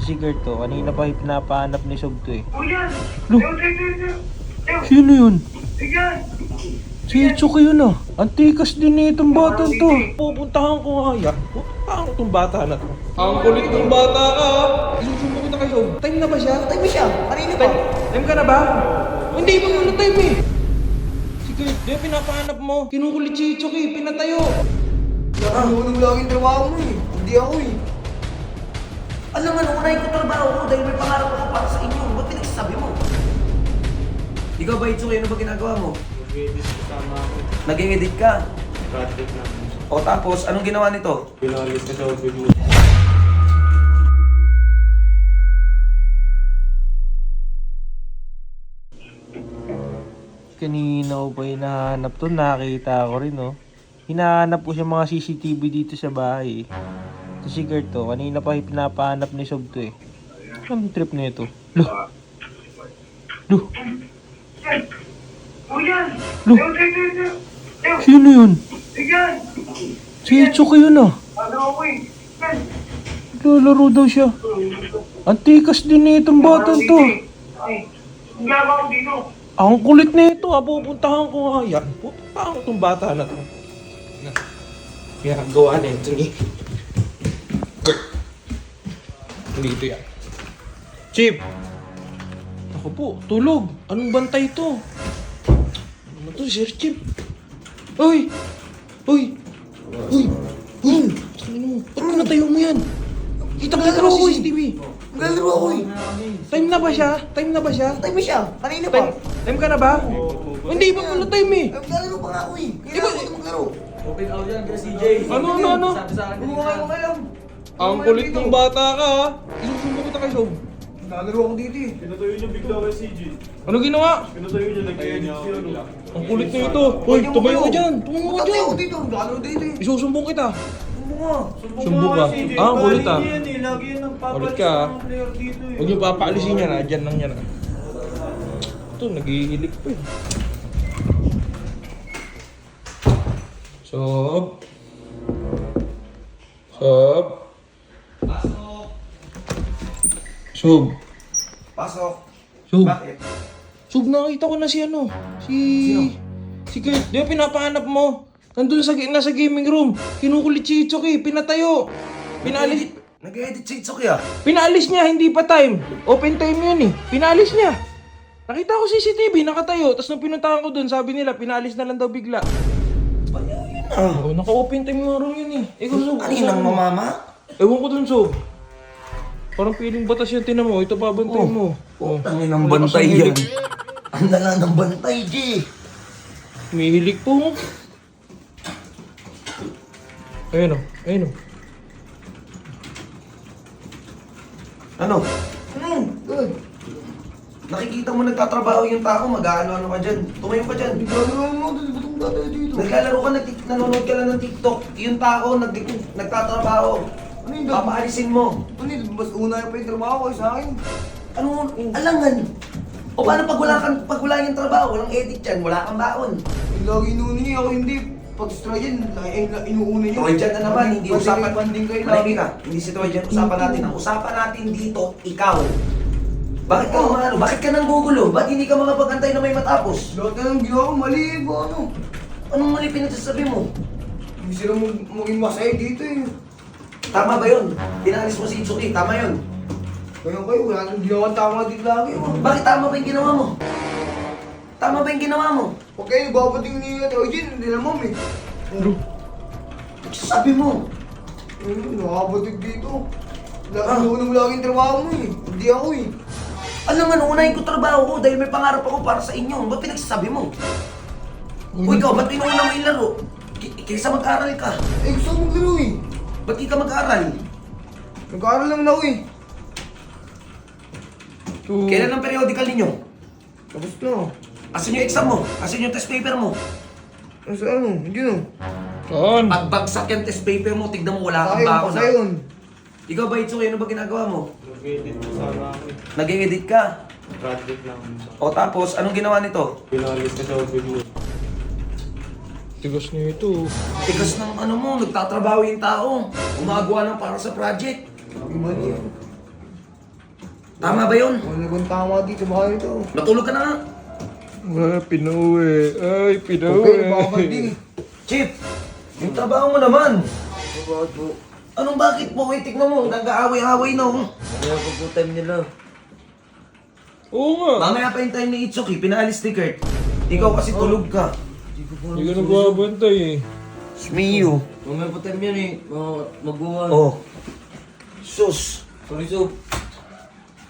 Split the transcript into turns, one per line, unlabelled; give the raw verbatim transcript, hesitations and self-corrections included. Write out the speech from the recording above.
Si Gert to, kanina pa pinapahanap ni Sob to eh.
Kuya!
Lo, sino yun? Si Itsuki yun ah. Antikas din eh itong bata to. Pupuntahan ko nga yan. Pupuntahan ko itong bata na to. Ang kulit ng bata ka. Isusumo kita kay Sob. Time na ba siya?
Time mo siya, kanina pa.
Time, time ka na ba? Hindi pa muna time eh. Si Gert, di ba pinapahanap mo? Kinukulit si Itsuki, pinatayo.
Nakanunong laging trabaho mo eh. Hindi ako eh. Alam nga, unahin ko trabaho ko dahil may pangarap ako para sa inyo. Ba't pinagsasabi mo? Ikaw ba, Itsuki, ano ba ginagawa mo?
Nag-edit kasama ako.
Nag-edit ka.
Project namin.
O tapos, anong ginawa nito?
Pinalis ka sa outfit mo.
Kanina ko pa hinahanap to, nakita ko rin oh. Hinahanap ko siya mga C C T V dito sa bahay eh. Ito si Gert to, kanina pa pinapahanap ni Sob to eh. Anong trip na ito? Loh! Loh! Loh! Sino yun? Si Itsuki yun ah. Lalaro daw siya. Antikas din eh itong batang to. Ang kulit na ito ah, pupuntahan ko nga yan. Pupuntahan ko itong bata na to. Kaya gawa na ito ni dito yan. Chip! Ako po, tulog. Anong bantay ito? Ano to, Sir Chip? Uy! Uy! Uy! Uy! Saan mo? Ba't pinatayo mo yan? Kita-kita ka sa C C T V.
Naglalaro ako eh.
Time na ba siya? Time na ba siya?
Time mo siya, kanina pa.
Time, time ka na ba? Hindi pa pala time eh.
Eh, Naglalaro pa nga ako eh.
Di ba-
Kailangan ko na maglaro.
Open out yan, kasi C J.
Ano, ano, ano?
Gumawa ko alam.
Ang kulit ng bata ka ah. Isusumo kita kay Sob.
Naglalaro ako dito eh.
Pinatayo niya bigla kay C J.
Ano ginawa?
Pinatayo niya, nag-edit siya. ano.
Ang kulit na ito. Hoy, tumayo ka dyan. Tumayo ka
Magtatay
dyan.
ako dito. Naglalaro dito eh.
Isusumbong kita.
Ano nga?
Sumbong ka.
C J,
Ah, ang kulit ah.
galing yan eh. Lagi yan nagpapalit
Kulit ka,
sa
ah.
mga player dito eh.
Huwag yung papaalisin yan ah. Dyan lang yan ah. Ito, naghihilik pa eh. Sob. Sob. Sob.
Pasok.
Sob.
Bakit?
Sob, nakita ko na si ano. Si... Si Gert. Di ba pinapahanap mo? Nandun sa, nasa gaming room. Kinukulit si Itsuki. Pinatayo. Pinalis...
Nag-edit si Itsuki ah.
Pinalis niya, hindi pa time. Open time yun eh. Pinalis niya. Nakita ko C C T V, nakatayo. Tapos nung pinuntahan ko dun, sabi nila, pinalis na lang daw bigla.
Ah.
Oh, naka-open time nga rin yun eh. Ikaw, Sob.
Kaninang mamama?
Ewan ko dun, Sob. Parang piling batas yung tinan mo. Ito babantay
Oh.
mo. Oh.
Tangin ng bantay yan. Ang dala ng bantay, G.
Mihilig po. Ayun o, ayun o.
Ano? Ano? Good. Nakikita mo nagtatrabaho yung tao, mag-aano-ano ka dyan. Tumayo ka dyan. Naglalaro mo, batong tatay dito. Naglalaro ka, nag nanonood ka lang ng TikTok. Yung tao, nag nagtatrabaho. Ano yung papaalisin mo? Ano yun? Mas una pa yung trabaho ko sa akin. Ano? Alangan. O paano pag wala, kang, pag wala yung trabaho, walang edit yan, wala kang baon.
Lagi inuuna niya ako hindi. Pag try yan, inuuna niya.
Troy dyan na naman, hindi usapan.
Banding kayo
Malay ka, hindi si Troy dyan usapan natin. Ang usapan natin dito, ikaw. Bakit ka umano? Bakit ka nang gugulo? Ba't hindi ka makapag-antay na may matapos?
Lahat na ng ginawa ko, mali ba ano?
Anong mali pinagsasabi mo?
Hindi sila mag maging masaya dito eh.
Tama ba yun? Pinalis mo si Itsuki, tama yun.
Kaya kayo, wala nang ginawa tama dito lagi. Oh.
Bakit tama ba yung ginawa mo? Tama ba yung ginawa mo?
Huwag kayo nagpapating ni Troy Jin, hindi na mom eh.
Sabi mo.
Ayun, nakapatig dito.
Ah.
Inuuna mo laging trabaho mo eh. Hindi ako eh.
Alam nga, unahin ko trabaho ko dahil may pangarap ako para sa inyo. Ba't pinagsasabi mo? O ikaw, ba't inuuna mo yung laro? K- kaysa mag-aral ka.
Eh gusto ko maglaro eh.
Ba't di ka mag-aral?
Nag-aaral lang na ako eh.
Kailan ang periodical ninyo?
Tapos na.
Asan yung exam mo? Asan yung test paper mo?
Ano sa ano? Hindi na.
Saan?
Pag bagsak yung test paper mo, tignan mo wala kang
Sayang
baon
pa
na.
sayon.
Ikaw ba, Itsuki, ano ba ginagawa mo?
Nag-edit kasama ako eh.
Nag-edit ka.
Project namin.
O tapos, anong ginawa nito?
Pinalis ka sa outfit mo.
Tigas niyo ito.
Tigas ng ano mo, nagtatrabaho yung tao. Gumagawa ng para sa project.
Sabi mali.
Tama ba yun?
Wala kong tama dito, baka ito.
Matulog ka na nga.
Ah, pinauwi. Ay, pinauwi.
Okay, baka din.
Chip, yung trabaho mo naman.
Bakit po?
Anong bakit po? Eh, tignan mo, nag-aaway-aaway na oh.
Kaya po po time nila.
Oo nga.
Mamaya pa yung time ni Itsuki, pinaalis ni Kurt. Ikaw kasi tulog ka.
Hindi ka nagbabantay eh.
Smiyo.
Mamaya po time yan eh. Mga mag-uwan.
Oh. Sus.
Sorry, Sob.